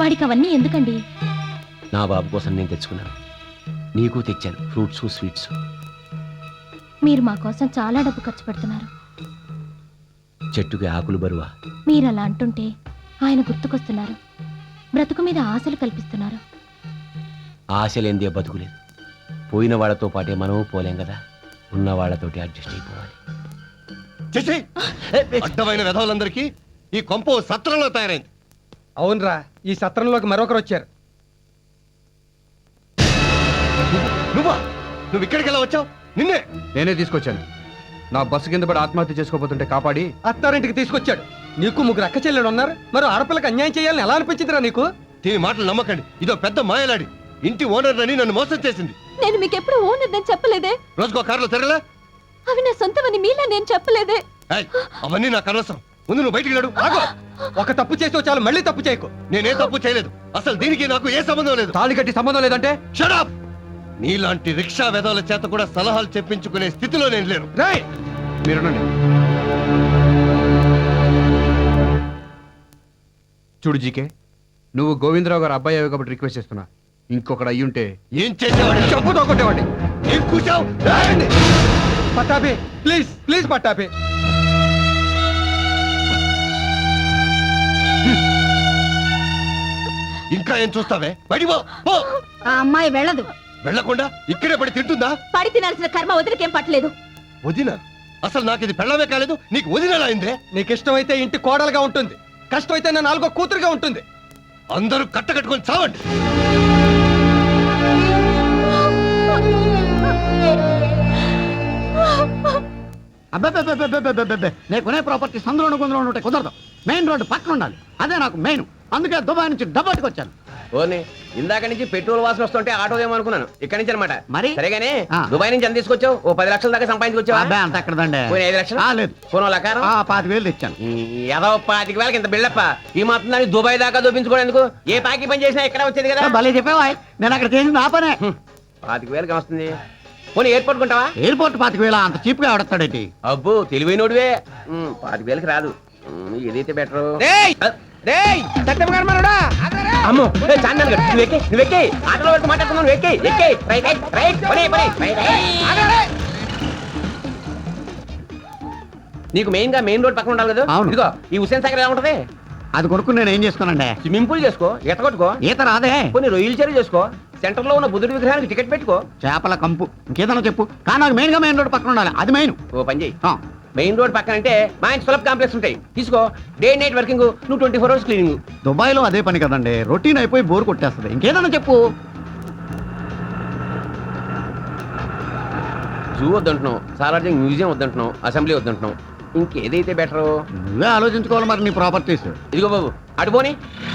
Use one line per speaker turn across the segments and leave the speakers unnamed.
వాడికి అవన్నీ ఎందుకండి?
నా బాబు కోసం నేను తెచ్చుకున్నాను, నీకు తెచ్చాను ఫ్రూట్స్ స్వీట్స్.
మీరు మా కోసం చాలా డబ్బు ఖర్చు పెడుతున్నారు.
చెట్టుకి ఆకులు బరువా?
మీరు అలా అంటుంటే ఆయన గుర్తుకొస్తున్నారు. బ్రతుకు మీద ఆశలు కల్పిస్తున్నారు.
ఆశలేందే బతుకులేదు. పోయిన వాళ్ళతో పాటే మనము పోలేం కదా, ఉన్న వాళ్ళతోటి అడ్జస్ట్ అయిపోవాలి.
అడ్డమైన వెధవులందరికీ ఈ కొంప సత్రంలో తయారైంది.
అవునరా, ఈ సత్రంలోకి మరొకరు వచ్చారు.
నువ్వు ఇక్కడికి ఎలా వచ్చావు? నిన్నే
నేనే తీసుకొచ్చాను. నా బస్సు కింద పడి ఆత్మహత్య చేసుకోబోతుంటే కాపాడి
అత్తారింటికి తీసుకొచ్చాడు. నీకు ముగ్గురు అక్క చెల్లెలు ఉన్నారు, మరి ఆడపిల్లకి అన్యాయం చేయాలని ఎలా అనిపించిందిరా నీకు?
దీని మాటలు నమ్మకండి, ఇదో పెద్ద మాయలాడి. ఇంటి ఓనర్ అని నన్ను మోసం చేసింది.
నేను మీకు ఎప్పుడు ఓనర్ అని చెప్పలేదే.
రోజుకో కారులో తిరగలే.
అవి నా సొంతమని మీలా నేను చెప్పలేదే.
అవన్నీ నాకు అనవసరం. ముందు నువ్వు బయటికి లేడు.
ఆగో, ఒక తప్పు చేసావు చాలు, మళ్ళీ తప్పు చేయకు.
నేనే తప్పు చేయలేదు. అసలు దీనికి నాకు ఏ సంబంధం లేదు.
తాళి కట్టి సంబంధం లేదంటే
షట్ అప్. నీలాంటి రిక్షా వెధవుల చేత కూడా సలహాలు చెప్పించుకునే స్థితిలో నేను లేను.
రేయ్,
మీరునండి. చూడు జీకే, నువ్వు గోవిందరావు గారు అబ్బాయి అయ్యావు కాబట్టి రిక్వెస్ట్ చేస్తున్నా. ఇంకొకడు అయ్యుంటే
ఏం చేసేవాడు?
చెప్పుతో కొట్టేవాడి.
ఏం కూర్చావు?
పట్టాపి, ప్లీజ్ ప్లీజ్ పట్టాపి.
ఇంకా ఏం చూస్తావే? బయటికి పో.
ఆ అమ్మాయి వెళ్ళదు.
వెళ్ళకుండా ఇక్కడే పడి తింటుందా?
పడి తినాల్సిన కర్మ వదిలికేం పట్టలేదు.
వదిన? అసలు నాకు ఇది పెళ్ళమే కాలేదు, నీకు వదినలా అయిందే?
నీకు ఇష్టమైతే ఇంటి కోడలుగా ఉంటుంది, కష్టమైతే నా 4వ కూతురుగా ఉంటుంది.
అందరూ కట్టకట్టుకొని చావండి.
అబ్బే, నేను కొనే ప్రాపర్టీ సందులో గుందులో ఉంటే కుదరదు. మెయిన్ రోడ్డు పక్కన ఉండాలి, అదే నాకు మెయిన్. అందుకే దుబాయ్ నుంచి డబ్బట్టుకొచ్చాను.
ఓని ఇందాక నుంచి పెట్రోల్ వాసన వస్తుంటే ఆటో ఏమనుకున్నాను, ఇక్కడి నుంచి అనమాట.
మరి?
సరేగానే
ఆ.
దుబాయ్ నుంచి ఎంత తీసుకొచ్చావు? ఓ 10 లక్షల దాకా సంపాదించుకొచ్చావా?
అబ్బాయి అంత ఎక్కడదండి.
పోయిన 5 లక్షలు?
లేదు,
పోనో లకారం
25,000 తెచ్చాను.
ఏదో 25,000 ఇంత బిల్డప్ప. ఈ మాత్రం దాన్ని దుబాయ్ దాకా దూపించుకోవడానికి ఏ పాకి పని చేసినా ఇక్కడ వచ్చేది కదా.
భలే చెప్పావా, నేను అక్కడ చేసింది నా పనే.
25,000 వస్తుంది. పోనీ ఎయిర్పోర్ట్ కొంటావా?
ఎయిర్పోర్ట్ 25,000 అంత చీప్ గా ఆడతాడేంటి?
అబ్బో తెలివైనోడివే. 25,000కి రాదు. ఏదైతే బెటర్. అమ్మో చాందన్ గారు, నువ్వెక్కి ఆటోలో వరకు మాట్లాడుతున్నావు. నువ్వు ఎక్కి రైట్ రైట్ రైట్ పని పని నీకు మెయిన్ గా మెయిన్ రోడ్ పక్కన ఉండాలి కదా.
అవును.
ఇదిగో ఈ హుసేన్ సాగర్ ఎలా ఉంటది?
అది కొనుక్కుని నేను ఏం చేస్తున్నానండి?
స్విమ్మింగ్ పూల్ చేసుకో, ఈత కొట్టుకో.
ఈత రాదే.
కొన్ని రొయ్యలు చెరువు చేసుకో. సెంటర్ లో ఉన్న బుద్ధుడి విగ్రహానికి టికెట్ పెట్టుకో.
చేపల కంపు, ఇంకేదన్నా చెప్పు. కానీ నాకు మెయిన్ గా మెయిన్ రోడ్ పక్కన ఉండాలి, అది మెయిన్.
ఓ పని చేయి, మెయిన్ రోడ్ పక్కన అంటే మంచి సులభ కాంప్లెక్స్ ఉంటాయి, తీసుకో. డే నైట్ వర్కింగ్, నువ్వు 24 hours క్లీనింగ్.
దుబాయ్ లో అదే పని కదండి, రొటీన్ అయిపోయి బోర్ కొట్టేస్తుంది. ఇంకేదన్నా చెప్పు.
జూ వద్దంటున్నావు, సాలార్జింగ్ మ్యూజియం వద్దంటున్నావు, అసెంబ్లీ వద్దంటున్నావు. ఇంకేదైతే బెటరు?
నువ్వే ఆలోచించుకోవాలి మరి నీ ప్రాపర్టీస్.
ఇదిగో బాబు అటు పోనీ.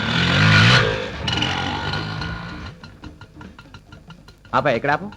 ఆపా ఎక్కడ ఆపు.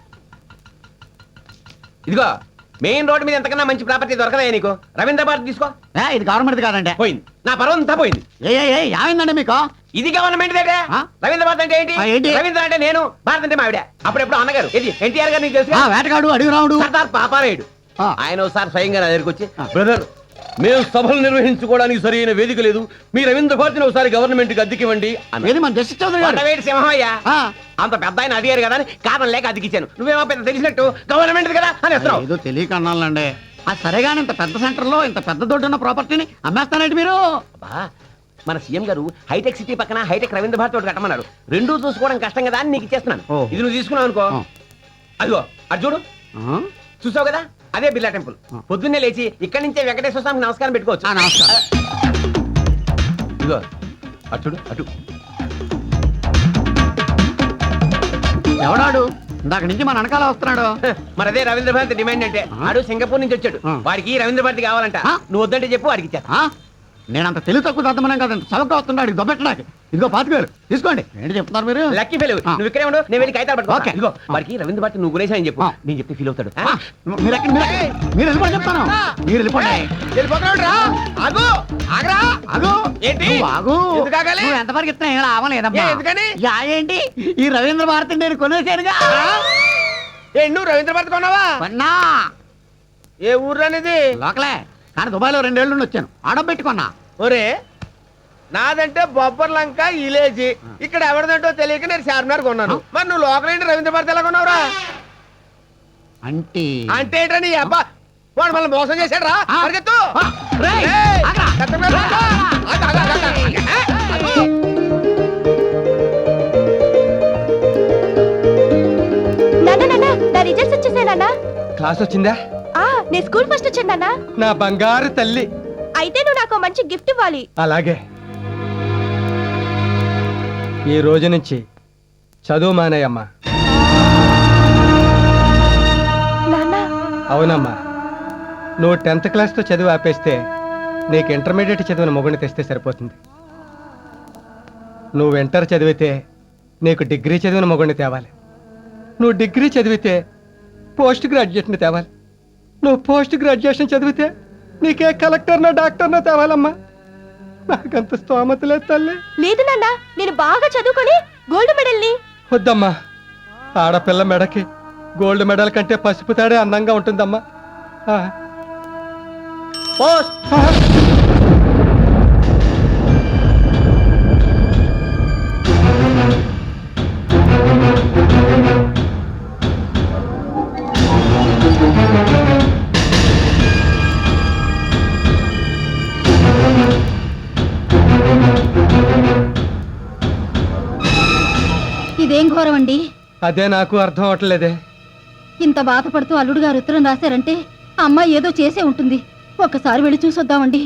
ఇదిగో మెయిన్ రోడ్ మీద ఎంతకన్నా మంచి ప్రాపర్టీ దొరకదా నీకు? రవీంద్ర భారత్ తీసుకో.
ఇది గవర్నమెంట్ కాదండి.
పోయింది నా పర్వం అంతా పోయింది.
ఏమైందండి మీకు?
ఇది గవర్నమెంట్ దగ్గర. రవీంద్ర భారత్ అంటే ఏంటి?
ఏంటి?
రవీంద్ర అంటే నేను, భారత్ అంటే మావిడ. అప్పుడెప్పుడు అన్నగారు ఇది ఎన్టీఆర్ గారు, నీకు తెలుసు.
వేటగాడు, అడుగు రావుడు,
సర్దార్ పాపారాయుడు. ఆయన ఒకసారి స్వయంగా నా దగ్గరికి వచ్చి, బ్రదర్ మేము సభలు నిర్వహించుకోవడానికి సరైన వేదిక లేదు, మీ రవీంద్ర భారతిని ఒకసారి గవర్నమెంట్ కి అద్దెకివ్వండి.
మన జస్టిస్ చౌదరి గారు.
సింహయ్య అంత పెద్ద ఆయన అడిగారు కదా అని కారణం లేక అద్దెకిచ్చాను. నువ్వేమో పెద్ద తెలిసినట్టు గవర్నమెంట్ కదా అని వస్తున్నావు.
ఏదో తెలియక అన్నాలండి. సరేగాని ఇంత పెద్ద సెంటర్ లో ఇంత పెద్ద దొడ్డున్న ప్రాపర్టీని అమ్మేస్తానండి మీరు?
మన సీఎం గారు హైటెక్ సిటీ పక్కన హైటెక్ రవీంద్ర భారతి ఒకటి కట్టమన్నారు. రెండూ చూసుకోవడం కష్టం కదా అని నీకు ఇచ్చేస్తున్నాను. ఇది నువ్వు తీసుకున్నావు అనుకో, అదిగో అటు చూడు, చూసావు కదా, అదే బిర్లా టెంపుల్. పొద్దున్నే లేచి ఇక్కడి నుంచే వెంకటేశ్వర స్వామికి నమస్కారం పెట్టుకోవచ్చు.
నమస్కారం.
ఇదిగో అటు చూడు, అటు.
ఎవడాడు? ఇందాక నుంచి మన వెనకాల వస్తున్నాడు.
మరి అదే రవీంద్ర భారతి డిమాండ్ అంటే. ఆడు సింగపూర్ నుంచి వచ్చాడు, వాడికి రవీంద్ర భారతి కావాలంట. నువ్వు వద్దంటే చెప్పు, వాడికి ఇచ్చా.
నేనంత తెలివి తక్కువ దద్దమనం కాదండి, చవక వస్తున్నాడు దొబ్బెట్టడానికి. ఇదిగో 25,000 తీసుకోండి. ఏంటి చెప్తున్నారు మీరు?
లక్కీ ఫెలో, నువ్వు ఇక్కడే ఉండు, నేను వెళ్ళి కాగితాలు పట్టుకో.
ఓకే.
ఇదిగో వాడికి రవీంద్ర భారతి నువ్వు గురేసా అని చెప్పు, నేను చెప్తే ఫీల్ అవుతాడు.
మీరు వెళ్ళిపోండి చెప్తాను. మీరు వెళ్ళిపోండి. నువ్వు ఎంతవరకు ఇస్తున్నా ఏం లాభలేదమ్మా. ఏంటి ఈ రవీంద్ర భారతి నేను కొనేసానుగా.
నువ్వు రవీంద్ర భారతి కొన్నావా?
కొన్నా.
ఏ ఊర్లో అనేది?
లోకలే, కానీ దుబాయ్లో 2 ఏళ్ళు నుండి వచ్చాను. ఆడబెట్టుకున్నా.
ఒరే నాదంటే బొబ్బర్ లంక ఇలేజీ. ఇక్కడ ఎవరిదంటో తెలియక నేను చార్మినార్ కొన్నాను. మరి నువ్వు లోకల్ ఏంటి రవీంద్ర భారతి ఎలా కొన్నావురా?
అంటే
అంటే ఏంటో నీ అబ్బా వాడు మళ్ళీ మోసం చేశాడు రా. పరిగెత్తు.
రేయ్,
ఏయ్,
ఆగ్రా.
చెత్త మీద రా. ఆగు, ఆగు, ఆగు, ఆగు.
నాన్న నా రిజల్ట్స్ వచ్చేసాయి నాన్న.
క్లాస్ వచ్చిందా?
నేను స్కూల్ ఫస్ట్ వచ్చాను నాన్న.
నా బంగారు తల్లి.
అయితే నువ్వు నాకు మంచి గిఫ్ట్ ఇవ్వాలి.
అలాగే ఈ రోజు నుంచి చదువు మానేయమ్మా.
నాన్న
అవునమ్మా, నువ్వు 10th క్లాస్తో చదువు ఆపేస్తే నీకు ఇంటర్మీడియట్ చదివిన మొగుడిని తెస్తే సరిపోతుంది. నువ్వు ఇంటర్ చదివితే నీకు డిగ్రీ చదివిన మొగుడిని తేవాలి. నువ్వు డిగ్రీ చదివితే పోస్ట్ గ్రాడ్యుయేట్ని తేవాలి. నువ్వు పోస్ట్ గ్రాడ్యుయేషన్ చదివితే నీకే కలెక్టర్నో డాక్టర్నో తేవాలమ్మా. నాకంత స్తోమత లేదు తల్లి.
లేదు నాన్న, నేను బాగా చదువుకొని గోల్డ్ మెడల్ని.
వద్దమ్మా, ఆడపిల్ల మెడకి గోల్డ్ మెడల్ కంటే పసుపు తాడే అందంగా ఉంటుందమ్మా. ఆ.
పోస్ట్.
ఆ.
ఇదేం ఘోరం అండి.
అదే నాకు అర్థం అవట్లేదే.
ఇంత బాధపడుతూ అల్లుడు గారు ఉత్తరం రాశారంటే అమ్మాయి ఏదో చేసే ఉంటుంది. ఒక్కసారి వెళ్ళి చూసొద్దామండి.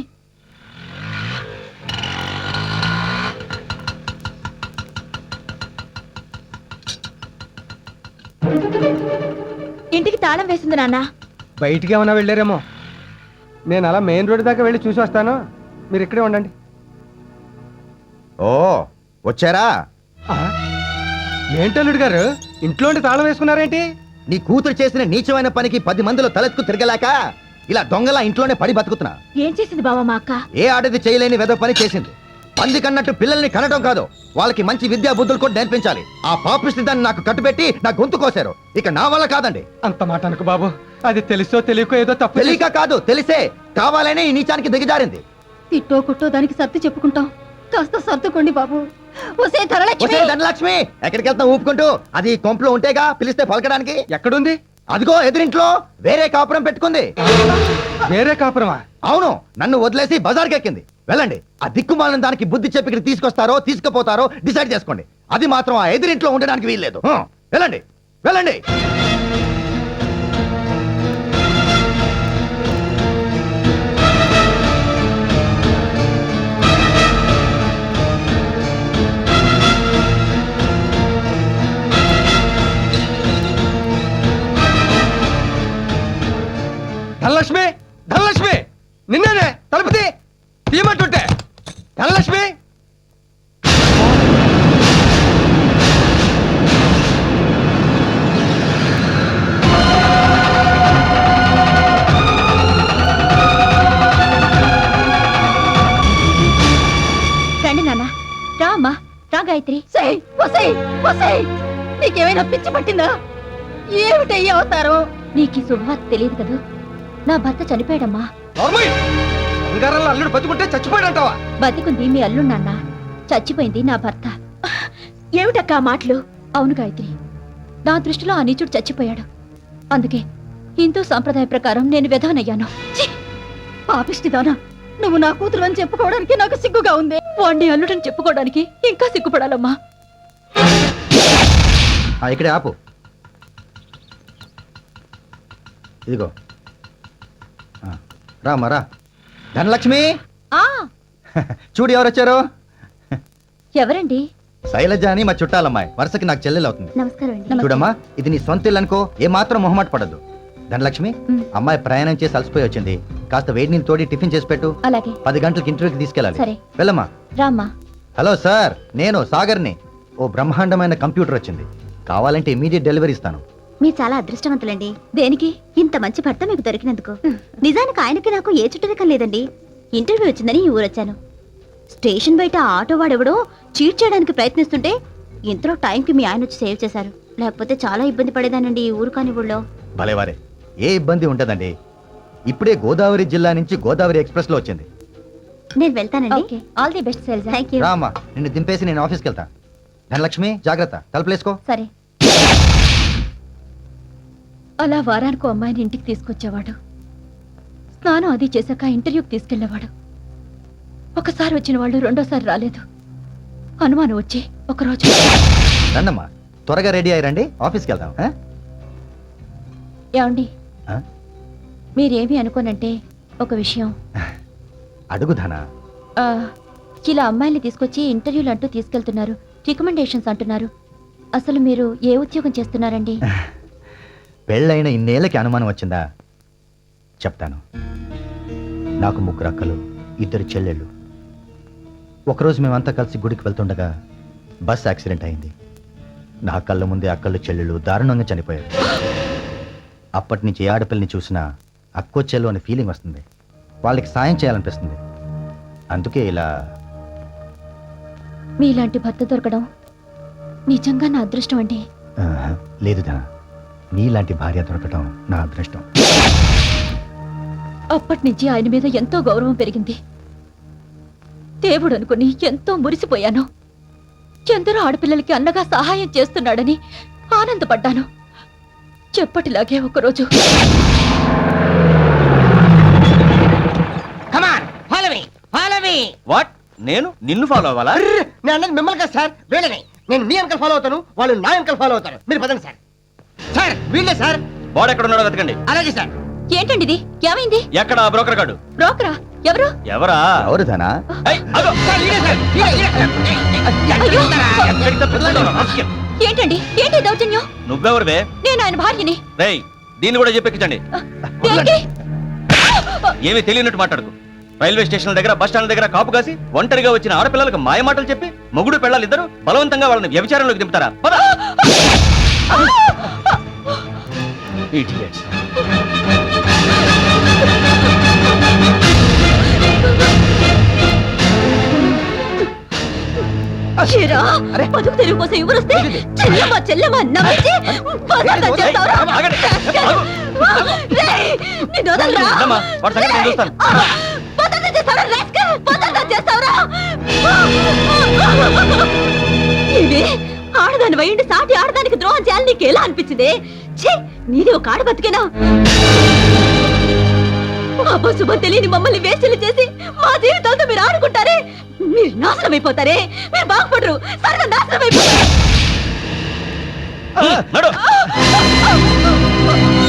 ఇంటికి తాళం వేసింది నాన్న.
బయటికి ఏమైనా వెళ్ళారేమో. నేను అలా మెయిన్ రోడ్ దాకా వెళ్ళి చూసి వస్తాను, మీరు ఇక్కడే ఉండండి.
ఓ వచ్చారా?
ఆ? ఏంటల్లుడు గారు ఇంట్లో ఉండి తాళం వేసుకున్నారేంటి?
నీ కూతురు చేసిన నీచమైన పనికి 10 మందిలో తలెత్తుకు తిరగలేక ఇలా దొంగలా ఇంట్లోనే పడి బతుకుతున్నా.
ఏం చేసింది బావా మా అక్క?
ఏ ఆడది చేయలేని వెద పని చేసింది. పంది కన్నట్టు పిల్లల్ని కనడం కాదు, వాళ్ళకి మంచి విద్యా బుద్ధులు కూడా నేర్పించాలి. ఆ పాపిష్టి దాన్ని నాకు కట్టుబెట్టి నా గొంతు కోసారు. ఇక నా వల్ల కాదండి.
అంత మాట అనుకు బాబు. అది తెలుసో తెలియకో ఏదో తప్పు
తెలియక కాదు, తెలిసే కావాలనే ఈ నీచానికి దిగజారింది.
తిట్టో కుట్టో దానికి సర్ది చెప్పుకుంటాం. కాస్త సర్దుకోండి బాబు. ఒసే ధరలక్ష్మి,
ఒసేయ్ ధనలక్ష్మి, ఎక్కడికి వెళ్తాం ఊపుకుంటూ? అది కొంపలో ఉంటేగా పిలిస్తే పలకడానికి.
ఎక్కడుంది?
అదిగో ఎదురింట్లో వేరే కాపురం పెట్టుకుంది.
వేరే కాపురమా?
అవును, నన్ను వదిలేసి బజార్కి ఎక్కింది. వెళ్ళండి, ఆ దిక్కుమాలిన దానికి బుద్ధి చెప్పి ఇక్కడ తీసుకొస్తారో తీసుకుపోతారో డిసైడ్ చేసుకోండి. అది మాత్రం ఆ ఎదురింట్లో ఉండడానికి వీల్లేదు. వెళ్ళండి వెళ్ళండి.
ధనలక్ష్మి, ధనలక్ష్మి, నిన్నేనే తలుపు తీయమంటుంటే. ధనలక్ష్మి,
రండి నాన్న. రా అమ్మా, రా గాయత్రి.
ఒసేయ్, ఒసేయ్, ఒసేయ్, నీకేమైనా పిచ్చి పట్టిందా? ఏమిటయ్యి అవుతారు?
నీకు ఈ శుభవార్త తెలియదు కదూ. నా భర్త చనిపోయాడమ్మా.
నార్మల్. బంగారంలో అల్లుడు బతుకుంటే చచ్చిపోయాడంటావా?
బతికుంది మీ అల్లుడు నాన్న, చచ్చిపోయింది నా భర్త. ఏమిటక్క ఆ మాటలు? అవును గాయత్రి, నా దృష్టిలో ఆ నీచుడు చచ్చిపోయాడు. అందుకే హిందూ సాంప్రదాయ ప్రకారం నేను విధవనయ్యాను.
పాపిష్టిదానా, నువ్వు నా కూతురు అని చెప్పుకోవడానికి నాకు సిగ్గుగా ఉంది.
వాణ్ణి అల్లుడని చెప్పుకోవడానికి ఇంకా సిగ్గుపడాలమ్మా.
ఇక్కడే ఆపు. ఇదిగో రామ్మా రా. ధనలక్ష్మి,
ఆ
చూడు ఎవరు వచ్చారు.
ఎవరండి?
శైలజ అని మా చుట్టాలమ్మాయి, వరుసకి నాకు చెల్లెలు అవుతుంది.
నమస్కారం అండి.
చూడమ్మా, ఇది నీ సొంత ఇల్లు అనుకో, ఏమాత్రం మొహమాట పడద్దు. ధనలక్ష్మి, అమ్మాయి ప్రయాణం చేసి అలసిపోయి వచ్చింది. కాస్త వేడి నీళ్ళు తోడి టిఫిన్ చేసి పెట్టు.
అలాగే.
10 గంటలకు ఇంటర్వ్యూకి తీసుకెళ్ళాలి.
సరే.
వెళ్ళమ్మా.
రామ్మా.
హలో సార్, నేను సాగర్ని. ఓ బ్రహ్మాండమైన కంప్యూటర్ వచ్చింది, కావాలంటే ఇమీడియట్ డెలివరీ ఇస్తాను.
మీరు చాలా అదృష్టవంతులండి. దేనికి? ఇంత మంచి భర్త మీకు దొరికినందుకు. నిజానికి ఆయనకి నాకు ఏ చుట్టరికం లేదండి. ఇంటర్వ్యూ వచ్చిందని ఈ ఊరొచ్చాను. స్టేషన్ బయట ఆటో వాడెవడో చీట్ చేయడానికి ప్రయత్నిస్తుంటే ఇంతలో టైంకి మీ ఆయన వచ్చి సేవ్ చేశారు. లేకపోతే చాలా ఇబ్బంది పడేదానండి ఈ ఊరు కాని ఊళ్ళో.
భలేవారే, ఏ ఇబ్బంది ఉంటదండి. ఇప్పుడే గోదావరి జిల్లా నుంచి గోదావరి ఎక్స్ప్రెస్ లో వచ్చింది.
నేను వెళ్తానండి.
Okay all the best Sailaja.
Thank you.
రామ్మా నిన్ను దింపేసి నేను ఆఫీస్కి వెళ్తా. ధనలక్ష్మి జాగ్రత్త, తలుపులేసుకో.
సరే. అలా వారానికో అమ్మాయిని ఇంటికి తీసుకొచ్చేవాడు. స్నానం అది చేశాక ఇంటర్వ్యూకి తీసుకెళ్లేవాడు. ఒకసారి వచ్చిన వాళ్ళు రెండోసారి రాలేదు. అనుమానం వచ్చి ఒకరోజు
రండమ్మా, త్వరగా రెడీ అయ్యారండి, ఆఫీస్కి వెళ్దాం.
ఏమండి
ఆ?
మీరేమీ అనుకోనంటే ఒక విషయం.
అడుగు ధన.
ఆ, ఇలా అమ్మాయిల్ని తీసుకొచ్చి ఇంటర్వ్యూలు అంటూ తీసుకెళ్తున్నారు, రికమెండేషన్స్ అంటున్నారు. అసలు మీరు ఏ ఉద్యోగం చేస్తున్నారండి?
పెళ్ళైన ఇన్నేళ్ళకి అనుమానం వచ్చిందా? చెప్తాను. నాకు 3 అక్కలు, 2 చెల్లెళ్ళు. ఒకరోజు మేమంతా కలిసి గుడికి వెళ్తుండగా బస్ యాక్సిడెంట్ అయింది. నా కళ్ళ ముందే అక్కలు చెల్లెళ్ళు దారుణంగా చనిపోయారు. అప్పటి నుంచి ఏ ఆడపిల్లని చూసినా అక్కో చెల్లు అనే ఫీలింగ్ వస్తుంది. వాళ్ళకి సాయం చేయాలనిపిస్తుంది. అందుకే ఇలా.
మీలాంటి భర్త దొరకడం నిజంగా నా అదృష్టం అండి.
లేదు ధన, నీలాంటి భార్య దొరకటం నా అదృష్టం.
అప్పటి నుంచి ఆయన మీద ఎంతో గౌరవం పెరిగింది. దేవుడు అనుకుని ఎంతో మురిసిపోయాను. ఎందరో ఆడపిల్లలకి అన్నగా సహాయం చేస్తున్నాడని ఆనందపడ్డాను. చెప్పటిలాగే ఒకరోజు
వాట్? నేను నిన్ను ఫాలో అవ్వాలా?
నేను అన్నది మిమ్మల్ని కదా సార్, వీళ్ళని. నేను మీ అంకల్ ఫాలో అవుతాను, వాళ్ళు నా అంకల్ ఫాలో అవుతారు. మీరు పదండి సార్. సార్ వీళ్ళే సార్.
వాడు ఎక్కడ ఉన్నాడో వెతకండి.
అలాగే సార్.
ఏంటండి ఇది? ఏమైంది?
ఎక్కడ ఆ బ్రోకర్ గాడు?
బ్రోకరా? ఎవరు?
ఎవరా?
ఎవరు ధన?
ఏయ్, అదో. ఎక్కడికి తప్పించుకుంటావురా, రాస్కెల్?
ఏంటండి? ఏంటి దౌర్జన్యం?
నువ్వెవరివే?
నేను ఆయన భార్యని.
రేయ్, దీన్ని కూడా చెప్పెక్కించండి.
దేనికి?
ఏమీ తెలియనట్టు మాట్లాడుకు. రైల్వే స్టేషన్ దగ్గర, బస్ స్టాండ్ దగ్గర కాపు కాసి ఒంటరిగా వచ్చిన ఆడపిల్లలకు మాయ మాటలు చెప్పి మొగుడు పెళ్ళాలి ఇద్దరు బలవంతంగా వాళ్ళని వ్యభిచారంలోకి దింపుతారా? పద. Idiots.
ఏరా, బతుకు తెరువు కోసం ఎవరొస్తే చెల్లెమ్మ చెల్లెమ్మ నవ్వించి బజార్లో చేస్తావురా?
ఆగండి.
రేయ్, నిన్ను వదలరా?
ఉండమ్మా, వాడి సంగతి నేను చూస్తాను.
బజార్లో చేస్తావురా, rascal? బజార్లో చేస్తావురా? ఇవి ఆడదాని వయండి సాటి ఆడదానికి ద్రోహం చేయాలని నీకు ఎలా అనిపించింది? ఛీ, నీది ఒక ఆడ బతికేనా? అబ్బశుభం తెలియని మమ్మల్ని వేస్టలు చేసి మా జీవితాలతో మీరు ఆడుకుంటారే, మీరు నాశనం అయిపోతారే. మీరు బాగుపడరు, సర్వ నాశనం అయిపోతారు.
నడు.